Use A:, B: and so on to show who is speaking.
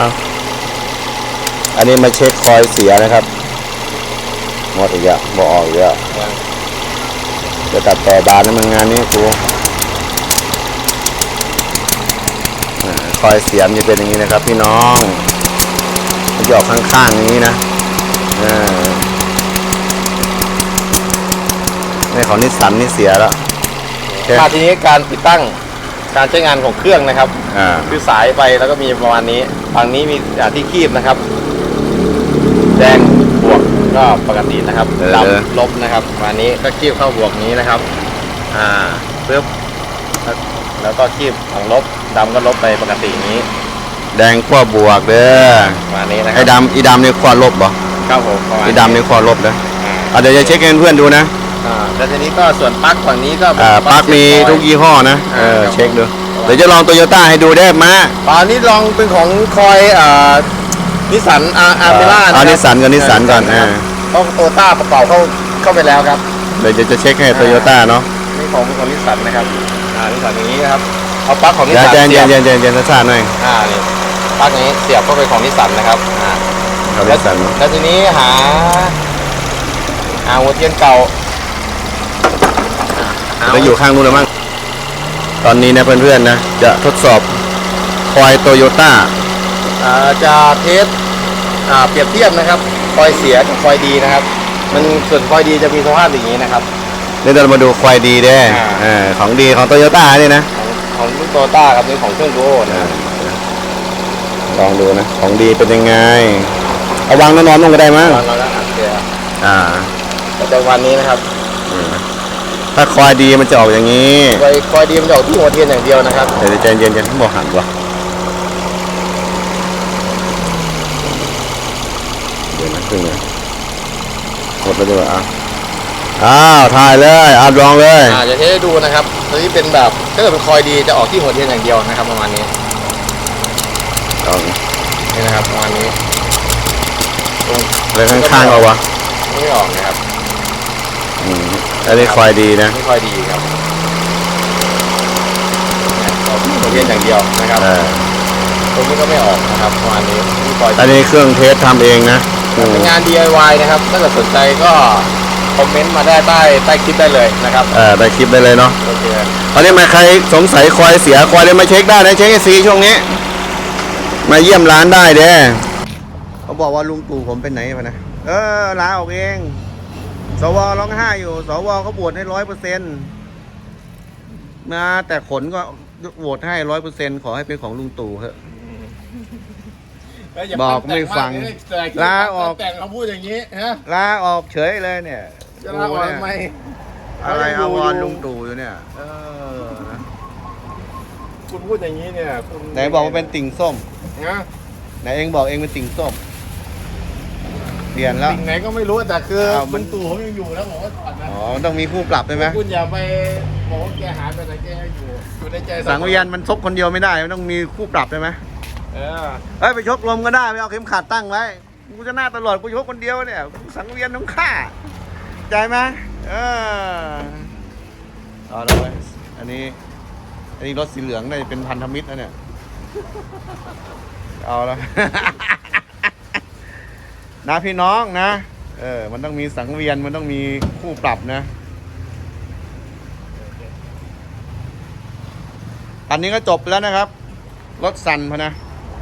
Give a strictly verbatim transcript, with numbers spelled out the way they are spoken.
A: เอาอันนี้มาเช็คคอยเสียนะครับหมดอีกแล้วบอกออกอีกแล้วจะตัดต่อบานน้ำมันงานนี้กูคอยเสียมจะเป็นอย่างนี้นะครับพี่น้องมันจะออกข้างๆอย่างนี้นะในของนิสสันนี่เสียแล้ว
B: มาทีนี้การติดตั้งการใช้งานของเครื่องนะครับคือสายไปแล้วก็มีประมาณนี้ฝั่งนี้มีที่คีบนะครับแดงบวกก็ปกตินะครับดำลบนะครับประมาณนี้ก็คีบเข้าบวกนี้นะครับอ่าปึ๊บแล้วก็คีบของลบดำก็ลบไปปกตินี้
A: แดงขั้วบวกเด้อ
B: ประมาณนี้นะครับ
A: ไอ้ดำอีดำนี่ขั้วลบบ่
B: ครับผม
A: ไอ้ดำนี่ขั้วลบเด้อเดี๋ยวจะเช็คให้เพื่อนดูนะ
B: อ่าแล้วทีนี้ก็ส่วนปลั๊กฝั่งนี้ก็
A: ปลั๊กมีทุกยี่ห้อนะเออเช็คดูเดี๋ยวจะลองโตโยต้าให้ดูได้มา
B: ตอนนี้ลองเป็นของคอยอ่านิสสันอาร์อาร์เมล่า
A: เอานิสสันกับนิสสันก่อนอ่า
B: ต้องโตโยต้าประกอบเข้าเข้าไปแล้วครับ
A: เดี๋ยวจะเช็คให้โตโยต้าเนาะ
B: นี่ของของนิสสันนะครับอ่านิสสันอย่างนี้นะครับเอาปลั๊กของนิสสัน
A: เย็นเย็นเย็นเย็นเย็นซ่าหน่อย
B: อ่านี่ปลั๊กนี้เสียบเข้าไปของนิสสันนะครับอ่า
A: ของนิสสัน
B: แล้วทีนี้หาหาหัวเทียนเก่า
A: แล้วอยู่ข้างนู้นเลยมั้งตอนนี้นะเพื่อนๆนะจะทดสอบคอยโตโยต้า
B: จะเทสเปรียบเทียบนะครับคอยเสียกับคอยดีนะครับมันส่วนคอยดีจะมีสภาพอย่างนี้นะครับ
A: เดี๋ยวเรามาดูคอยดีได้ของดีของโตโยต้านี่นะ
B: ของรุ่นโตโยต้าครับนี่ของเครื่องโก้นะ
A: ลองดูนะของดีเป็นยังไงเอาวางนอนๆลงก็ได้มั้ง
B: นอนแล้วอัดเสีย
A: อ่า
B: แต่วันนี้นะครับ
A: ถ้าคอยดีมันจะออกอย่างนี้
B: คอยคอยดีมันจะออกที่หัวเทียนอย่างเดียวนะครับ
A: เดี๋ยวใจเย็นๆทั้งหมดหันวะเดี๋ยวนะครึ่งเลยหมดแล้วด้วยอ่ะอ้าวถ่ายเลยอัดลองเลย
B: อ่าจะให้ดูนะครับตัวนี้เป็นแบบถ้าเกิดเป็นคอยดีจะออกที่หัวเทียนอย่างเดียวนะครับประมาณนี้นี่นะครับประมาณนี้
A: เลยข้างๆเอาวะ
B: ไม่ออกนะครับ
A: อืมอันนี้คอยดีนะ
B: นี่คอยดีครับหัวเทียนอย่างเดียวนะครับตรงนี้ก็ไม่ออกนะครับประมาณนี้
A: อันนี้เครื่องเทสทำเองนะ
B: เป็นงาน ดี ไอ วาย นะครับถ้าเกิดสนใจก็คอมเมนต์มาได้ใต้ใต้คลิปได้เลยนะครับ
A: เออได้คลิปได้เลยเนาะ
B: โอเค
A: ตอนนี้มาใครสงสัยคอยเสียคอยเลยมาเช็คได้นะเช็คไอซีช่วงนี้มาเยี่ยมร้านได้เด้เขาบอกว่าลุงตู่ผมเป็นไหนมานะเออลาออกเองสวร้องไห้อยู่สวเขาบวชให้ร้อยเปอร์เซ็นต์มาแต่ขนก็โหวตให้ร้อยเปอร์เซ็นต์ขอให้เป็นของลุงตู่เถอะบอกไม่ฟังลาออก
B: แต่งเขาพูดอย่างนี้ฮะ
A: ลาออกเฉยเลยเนี่ย
B: จะลาออกทำไม
A: อะไรอาวรลุงตู่อยู่เนี่ยเออนะ
B: คุณพูดอย่างนี้เนี่ย
A: ไหนบอกว่าเป็นติ่งส้ม
B: นะ
A: ไหนเองบอกเองเป็นติ่งส้มเปลี่ยนแล้ว
B: ติ่งไหนก็ไม่รู้แต่คือลุงตู่เขายังอยู่แล้วบอกว่าถอดนะ
A: อ๋อต้องมีผู้ปรับใช่ไหม
B: คุณอย่าไปบอกว่าแกหายไปแต่แกอยู่อยู่ในใจ
A: สังเวียนมันซบคนเดียวไม่ได้มันต้องมีผู้ปรับใช่ไหม
B: เออ
A: เฮ้ยไปชกลมก็ได้ไปเอาเข็มขัดตั้งไว้กูจะหน้าตลอดกูชกคนเดียวเนี่ยสังเวียนต้องฆ่าใจไหมเออเอาเลยอันนี้อันนี้รถสีเหลืองได้เป็นพันธมิตรนะเนี่ยเอาละนะพี่น้องนะเออมันต้องมีสังเวียนมันต้องมีคู่ปรับนะอันนี้ก็จบแล้วนะครับรถสั่นพอนะ